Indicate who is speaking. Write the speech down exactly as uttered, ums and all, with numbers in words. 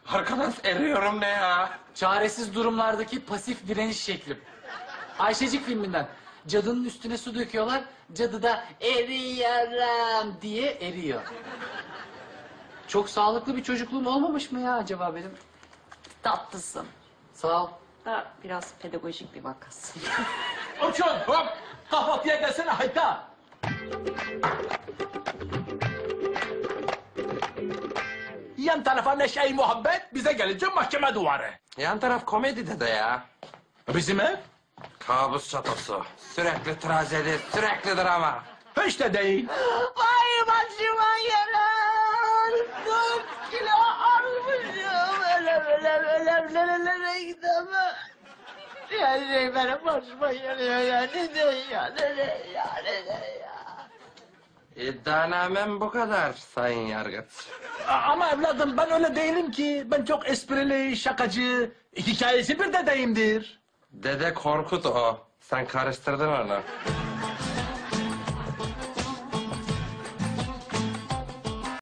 Speaker 1: Arkadaş eriyorum ne ya?
Speaker 2: Çaresiz durumlardaki pasif direniş şeklim. Ayşecik filminden. Cadının üstüne su döküyorlar. Cadı da eriyorum diye eriyor. Çok sağlıklı bir çocukluğum olmamış mı ya acaba benim?
Speaker 3: Tatlısın.
Speaker 2: Sağ ol.
Speaker 3: Da biraz pedagojik bir vakasın.
Speaker 4: Orçun hop kahvaltıya gelsene hayta. Yan tarafa neşe-i muhabbet, bize gelince mahkeme duvarı.
Speaker 1: Yan taraf komedi dede ya.
Speaker 4: Bizim ev
Speaker 1: Kabus çatosu. Sürekli trajedi, sürekli drama.
Speaker 4: hiç de değil.
Speaker 3: Vay başıma gelen dört kilo almışım. Öyle böyle böyle böyle böyle gidemem. Ya şey benim başıma geliyor ya. Ne diyor ya? Ne diyor ya? Ne diyor ya?
Speaker 1: İddianamem bu kadar sayın yargıç.
Speaker 4: A- Ama evladım ben öyle değilim ki. Ben çok esprili, şakacı, hikayesi bir dedeyimdir.
Speaker 1: Dede Korkut o. Sen karıştırdın onu.